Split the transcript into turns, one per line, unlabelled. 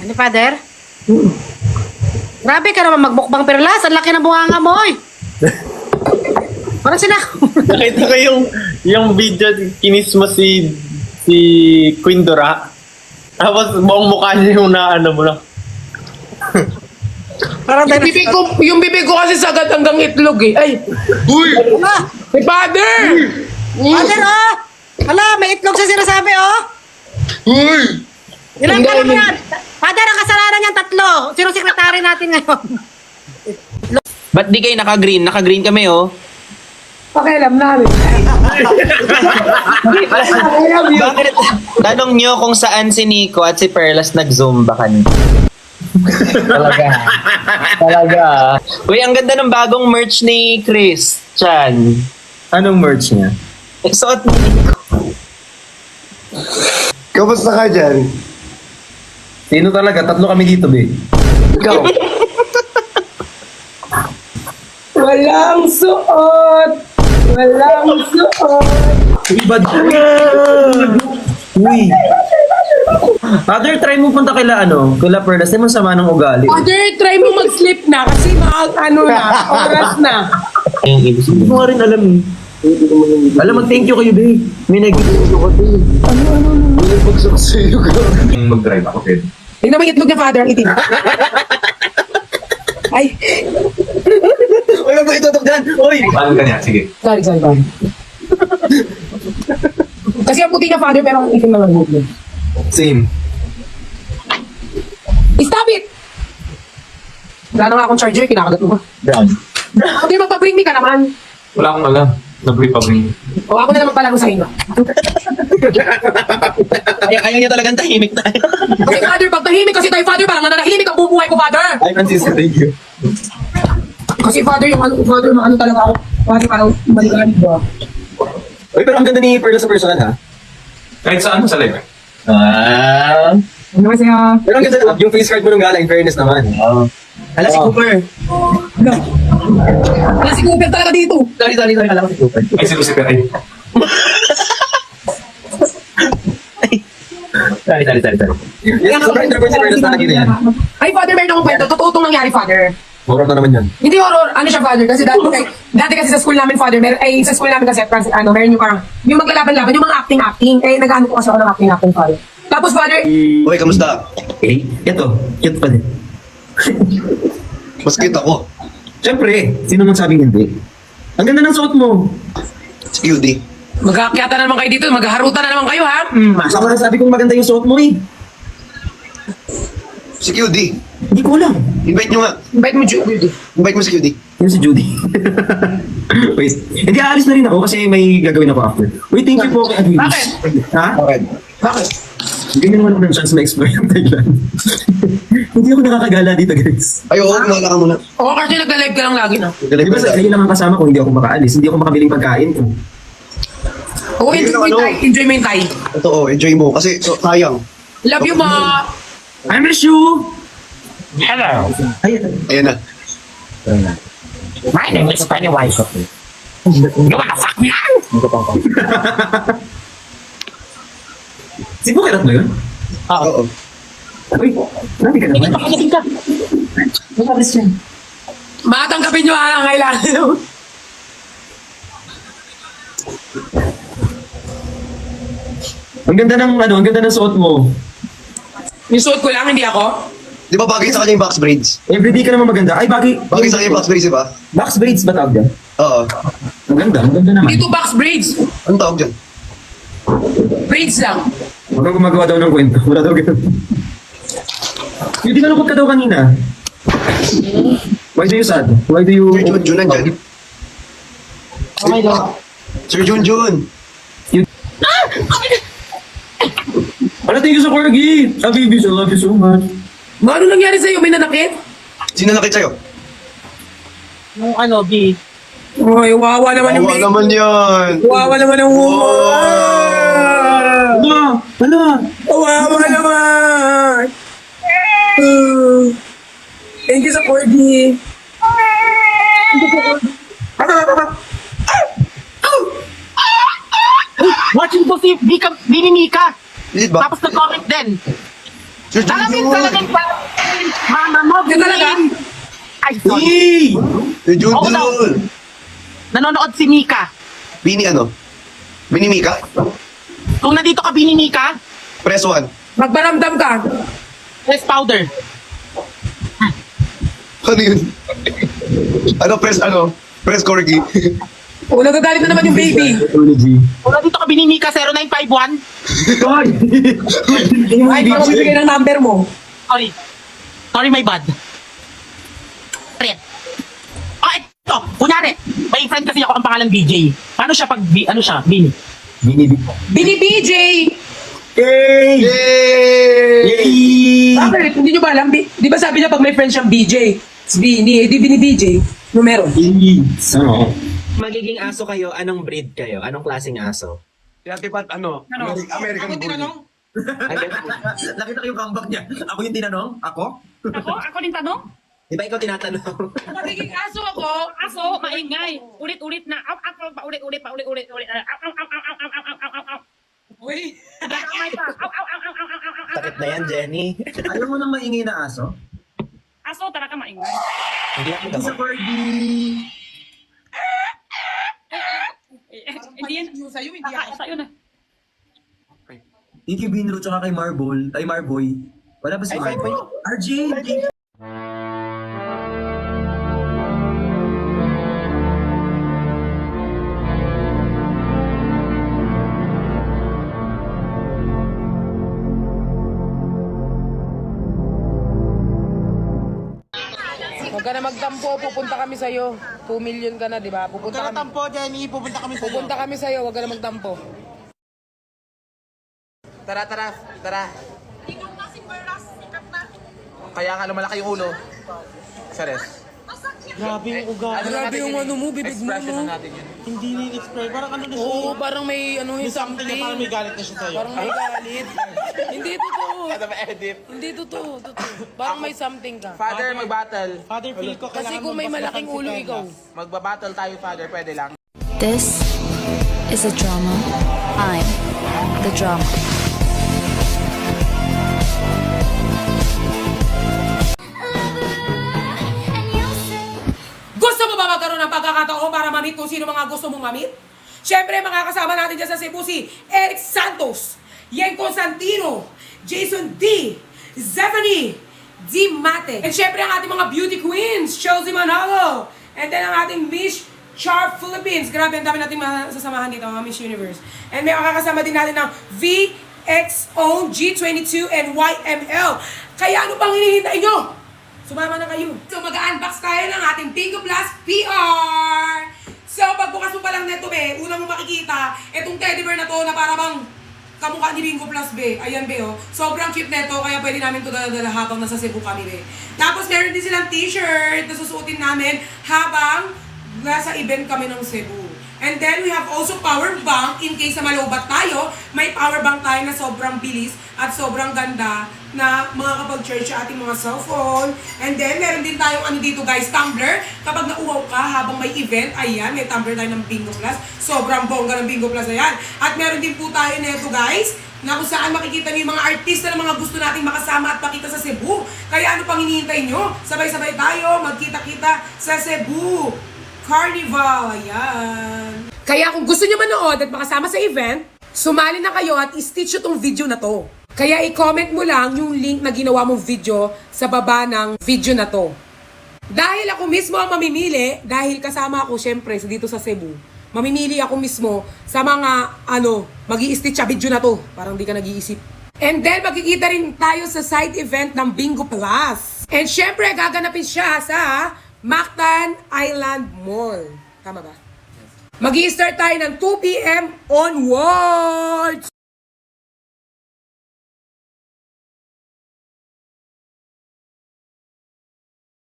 Ano, Father? Grabe ka naman magbukbang perlas. Ang laki ng bunganga mo, oy. Parang sila.
Nakita ko yung video, kinis mo si Queen Dora. Tapos buong mukha niya yung naano mo lang.
Parang
Yung bibig ko kasi sagad hanggang itlog eh. Ay!
Uy!
Ah,
Hey, father!
Father, oh! Hala, may itlog sa sinasabi, oh!
Uy!
Ilang ka naman yan? Father, ang kasalanan niyan tatlo. Sino sekretary natin ngayon?
Ba't di kayo naka-green? Naka-green kami, oh.
Pakialam namin.
Bakit? Tanong nyo kung saan si Nico at si Perlas nag-zumba kanina. Talaga. Uy, ang ganda ng bagong merch ni Christian.
Anong merch niya?
Suot ni Nico.
Kamusta ka dyan?
Sino talaga? Tatlo kami dito, be.
Ikaw.
Walang suot! Walang suot!
Iba Uy! Father, try mo punta kila Perlas. Di mo sama ng ugali.
Father, try mo mag-sleep na kasi oras na.
Yung ibig
Hindi
sabihin.
ko nga rin alam eh. Alam, mag-thank you kayo, be. May nag-thank you ko, be.
Nagbagsak sa'yo ka.
Mag-drive ako, be.
Tingnan mo yung itlog niya, father, ang itim. Ay,
Uy, wag mo itutok dyan! Uy! Paano ka niya? Sige.
sorry. Kasi ang puti niya, father, pero ang itim naman yung itlog.
Same.
Stop it! Wala na nga akong charger, kinakagat mo ba?
Brown.
Hindi, magpa-bring me ka naman.
Wala akong alam. Nag-brief pa rin.
O ako na naman pala sa inyo.
Ayaw niya talagang tahimik tayo.
Kasi father, pag tahimik kasi tayo, father, parang nananahimik ang bubuhay ko, father.
Ay, Francis, thank you.
Kasi father, ano talaga ako. Father, parang maligalig ba?
Uy, pero ang ganda ni Perla sa personal, ha? Kahit saan mo sa live, Ah.
Ano kasi
Pero ang ganda, yung face card mo nung gala, in fairness naman.
Hala si Cooper.
wala si Cooper talaga dito.
Sorry. Kala ko si Cooper.
Ay, si Lucifer, ay.
Sorry.
Yan, sobrang interpret si Perla na nakita yan.
Ay, father, meron akong kwento. Totoo itong nangyari, father.
Horror na naman yan.
Hindi horror, ano siya, father? Kasi dati kasi sa school namin, father, sa school namin kasi, meron yung parang, yung maglalaban-laban, yung mga acting. Eh, nag-ano ko kasi ako ng acting, father. Tapos, father,
Uy, kamusta?
Okay, ito. Cute pa din.
Mas cute ako.
Siyempre, sino nang sabing hindi? Ang ganda ng suot mo.
Si Cutie.
magkakakyata na naman kayo dito, maghaharutan na naman kayo, ha?
Masa ko sabi kong maganda yung suot mo eh.
Si Cutie.
Hindi ko alam.
Invite nyo nga.
Invite mo, Judy.
Invite mo si Cutie.
Yun si Judy. Wait. Hindi, aalis na rin ako kasi may gagawin ako after. Wait, thank you po kay Adwilis.
Bakit?
Ha?
Bakit?
Bakit?
Ganyan naman ako ng chance ma-explore yung Thailand. Hindi ako nakakagala dito, guys.
Ay, oo, kumala ka muna.
Oo, kasi nagla-live ka lang lagi, no?
Di ba sa kayo lang ang kasama ko, hindi ako makaalis. Hindi ako makabiling pagkain ko.
Oo, enjoy mo yung Thai. Enjoy mo yung Thai.
Totoo, enjoy mo. Kasi, sayang.
Love you, ma.
I miss you!
Hello.
Ayan na.
My name is Pennywise. You wanna fuck me?
Si Bukirat mo yun?
Oo.
Uy, nabi ka naman.
Matanggapin nyo, ha? Ang kailangan nyo.
Ang ganda ng suot mo.
Yung suot ko lang, hindi ako.
Di ba bagay sa kanya yung box braids?
Everyday ka naman maganda. Ay, bagay.
Bagay sa kanya yung box braids, di ba?
Box braids ba tawag yan?
Oo.
Ang ganda naman.
Dito box braids.
Anong tawag dyan?
Braids lang.
Huwag kang gumagawa daw ng kwento. Wala daw ganun. Hindi ka lungkot ka daw kanina. Why do you sad? Why do you...
Sir Junjun nandyan.
Okay daw.
Sir Junjun.
Wala, thank you sa corgi. Baby, I love you so much.
Ano nangyari sa'yo? May nanakit?
Sino nakit sa'yo?
Yung ano, B.
Uy, wawa naman yung
Wawa naman yan.
Wawa naman ang
Hala!
Wawa naman! Thank you sa corgi.
Watching ko si Bini Mika.
Legit ba?
Tapos nag-comment din.
Sir Junjun!
Mama mo,
Yun talaga?
Ay, sorry.
Hey! Sir
Oo daw.
Junjun!
Nanonood si Mika.
Bini ano? Bini Mika?
Kung nandito ka, Bini Mika,
Press 1.
Magbaramdam ka.
press powder.
Ano yun? Ano press ano? Press corgi.
O, nagagalit na naman yung baby.
Kung nandito ka, Bini Mika, 0951.
Ay, ikaw magbibigay ng number mo.
Sorry. Sorry, my bad. Red. Oh, ito. Kunyari, may friend kasi ako ang pangalan BJ. Paano siya pag, ano siya, Bini?
Bini BJ!
Yay!
Bakit? Hindi nyo ba alam? Di ba sabi niya pag may friend siyang BJ? Si Bini, di Bini BJ. Numero.
Magiging aso kayo, anong breed kayo? Anong klaseng aso?
Dati pat ano? American Bully.
Nakita ko yung comeback niya. Ako yung tinanong? Ako?
Ako din tanong?
Di ba ikaw tinatanong?
Magiging aso ako. Aso, maingay. Ulit-ulit na. Paulit-ulit.
Uy!
Damay pa.
Sakit na yan, Jenny.
Ayaw mo nang maingay na aso?
Aso, talaga maingay.
Hindi ako
Hindi sa
daw.
corgi.
Hindi yan.
Yung sa'yo, hindi
Asa yun eh.
Thank you, Binro, tsaka kay Marble. Ay, Marboy. Wala ba si
Ay,
Marboy?
Marboy.
RJ, thank you.
Huwag ka na magtampo, pupunta kami sa'yo. 2 million ka na, di ba? Pupunta kami.
Tampo, Jenny. Pupunta kami sa'yo.
Pupunta kami sa'yo, huwag ka na magtampo.
Tara. Kaya nga lumalaki yung ulo. Sares.
Grabe yung ugali.
Grabe yung ano mo, bibig mo,
Expression
no?
na natin yun.
Hindi ni-explain. Parang ano na siya.
Oo, parang may ano yung
Something
something.
na parang may galit na siya sa'yo.
Parang may galit. Hindi totoo.
Ano ba edit?
Hindi totoo. Parang may something ka.
Father, mag-battle.
Father, feel ko
Kasi
kailangan
kung may
mas
malaking
malaking
ulo
si
ikaw.
Perlas.
Magbabattle tayo, Father. Pwede lang.
This is a drama. I'm the drama.
Gusto mo ba magkaroon ng pagkakataon para mamit kung sino mga gusto mong mamit? Siyempre, mga kasama natin dyan sa Cebu si Eric Santos, Yen Constantino, Jason D, Zephanie, D. Mate. And siyempre, ang ating mga beauty queens, Chelsea Manalo. And then ang ating Miss Char Philippines. Grabe, ang dami nating masasamahan dito, mga Miss Universe. And may makakasama din natin ng VXO, G22, and YML. Kaya ano pang hinihintay nyo? Sumama na kayo. So mag-unbox tayo ng ating Bingo Plus PR. So pagbukas mo pa lang neto, be, unang mo makikita, itong teddy bear na to na para bang kamukha ni Bingo Plus, be. Ayan, be, oh. Sobrang cute neto, kaya pwede namin ito dala habang nasa Cebu kami, be. Tapos meron din silang t-shirt na susuotin namin habang nasa event kami ng Cebu. And then we have also power bank in case na malobat tayo. May power bank tayo na sobrang bilis at sobrang ganda na makakapag-charge sa ating mga cellphone. And then meron din tayong ano dito guys, tumbler. Kapag nauwaw ka habang may event, ayan, may tumbler tayo ng Bingo Plus. Sobrang bongga ng Bingo Plus, ayan. At meron din po tayo neto guys, na kung saan makikita niyo yung mga artista na mga gusto nating makasama at makita sa Cebu. Kaya ano pang hinihintay nyo? Sabay-sabay tayo, magkita-kita sa Cebu Carnival, ayan. Kaya kung gusto nyo manood at makasama sa event, sumali na kayo at i-stitch nyo tong video na to. Kaya i-comment mo lang yung link na ginawa mong video sa baba ng video na to. Dahil ako mismo ang mamimili, dahil kasama ako syempre dito sa Cebu, mamimili ako mismo sa mga mag-i-stitch sa video na to. Parang di ka nag-iisip. And then magkikita rin tayo sa side event ng Bingo Plus. And syempre gaganapin siya sa Mactan Island Mall. Tama ba? Mag-i-start tayo ng 2 p.m. onwards!